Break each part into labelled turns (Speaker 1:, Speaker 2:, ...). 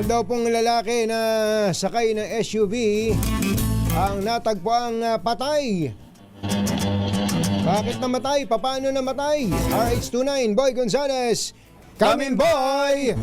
Speaker 1: Meron daw pong lalaki na sakay ng SUV ang natagpuang patay. Bakit namatay? Paano namatay? RH29, Boy Gonzales. Come in, boy!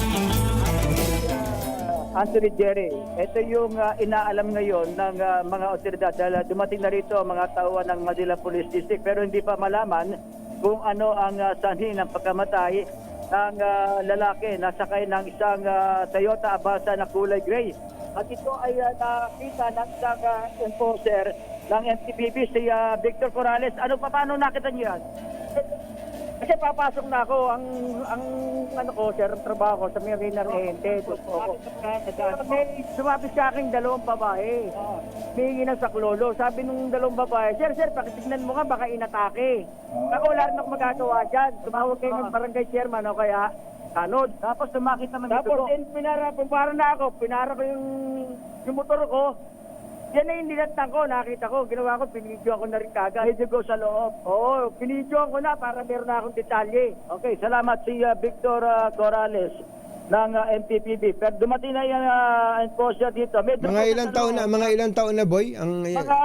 Speaker 2: Anthony Jerry, ito yung inaalam ngayon ng mga otoridad dahil dumating na rito ang mga tauhan ng Manila Police District pero hindi pa malaman kung ano ang sanhi ng pagkamatay ng lalaki na sakay ng isang Toyota Avanza na kulay gray. At ito ay nakita ng isang enforcer ng NTPB, si Victor Corrales. Paano nakita niyo yan? Kasi papasok na ako, ang ano ko, sir, trabaho ko sa Marina Rente. May sumapit sa akin dalawang babae. May ng saklolo. Sabi nung dalawang babae, sir, pakitignan mo nga, baka inatake. Ako wala rin ako magagawa dyan. Tumawag kayo ng barangay chairman o kaya tanod. Tapos tumakit naman dito. Tapos pinara ko yung motor ko. Yan na yung nilatang ko, nakita ko, ginawa ko, pinidyoan ko na rin kagad. Medyo go sa loob. Oo, pinidyoan ko na para meron na akong detalye. Okay, salamat si Victor Corrales ng NTPB. Pero dumating na yung enforcer dito.
Speaker 1: Mga ilang taon na, boy? Ang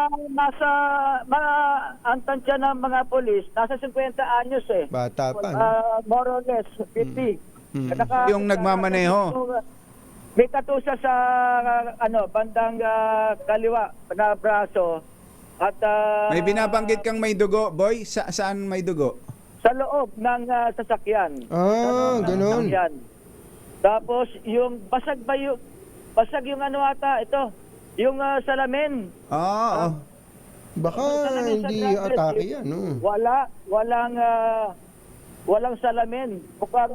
Speaker 2: ang tansya ng mga polis, nasa 50 anyos eh.
Speaker 1: bata pa.
Speaker 2: More or less, 50.
Speaker 3: Yung nagmamaneho.
Speaker 2: May katusa sa bandang kaliwa na braso at
Speaker 3: May binabanggit kang may dugo, boy? Saan may dugo?
Speaker 2: sa loob ng sasakyan.
Speaker 1: Ganun.
Speaker 2: Sasakyan. Tapos yung basag yung ata ito, yung salamin.
Speaker 1: Baka hindi atake yan, no?
Speaker 2: Walang salamin. Mukhang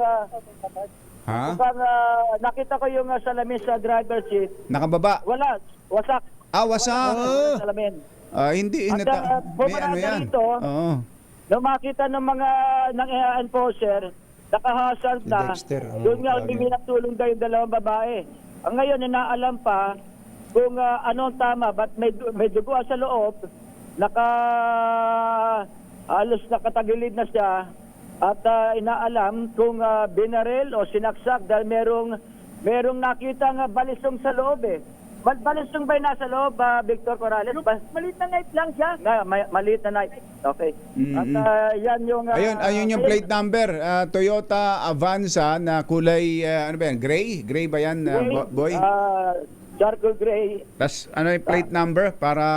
Speaker 2: nakita ko yung salamin sa driver seat.
Speaker 3: Nakababa?
Speaker 2: Wala, wasak.
Speaker 3: Wasak.
Speaker 2: Salamin.
Speaker 3: Hindi.
Speaker 2: At
Speaker 3: May ano yan.
Speaker 2: dito, nung makita ng mga enforcer, nakahasal na,
Speaker 1: Dexter,
Speaker 2: doon nga umiminang tulong daw yung dalawang babae. Ang ngayon, inaalam pa kung anong tama, ba't may dugo sa loob, halos nakatagilid na siya, at inaalam kung binaril o sinaksak dahil merong nakitang balisong sa loob eh. Balisong ba yung nasa loob, Victor Corrales? Maliit na night lang siya. Maliit na night. Okay. At yan yung...
Speaker 3: Ayun yung plate number. Toyota Avanza na kulay, ano ba yan? Gray? Gray ba yan, boy?
Speaker 2: Charcoal gray.
Speaker 3: Tapos ano yung plate number para...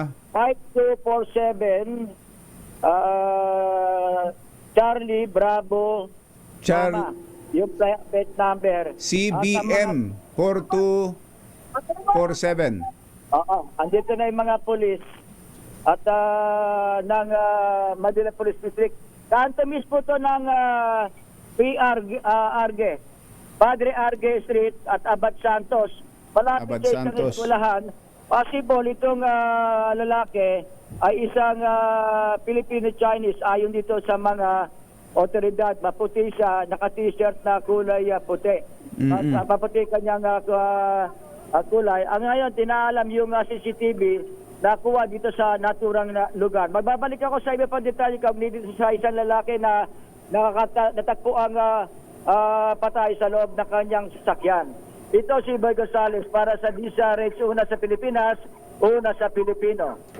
Speaker 2: 5247 Charlie Bravo Mama, yung plate number
Speaker 3: CBM 4247.
Speaker 2: Andito na yung mga polis at ng Manila Police District. Kanto mismo to ng Padre Arge Street at Abad Santos. Malapit sa isang eskwelahan. Possible itong lalaki ay isang Filipino-Chinese ayon dito sa mga otoridad. Maputi siya, naka-t-shirt na kulay puti. At maputi kanyang kulay. Ang ngayon, tinaalam yung CCTV na kuha dito sa naturang lugar. Magbabalik ako sa iba pang detalye dito sa isang lalaki na natagpo ang patay sa loob ng kanyang sasakyan. Ito si Boy Gonzales para sa DZRH, una sa Pilipinas, una sa Pilipino.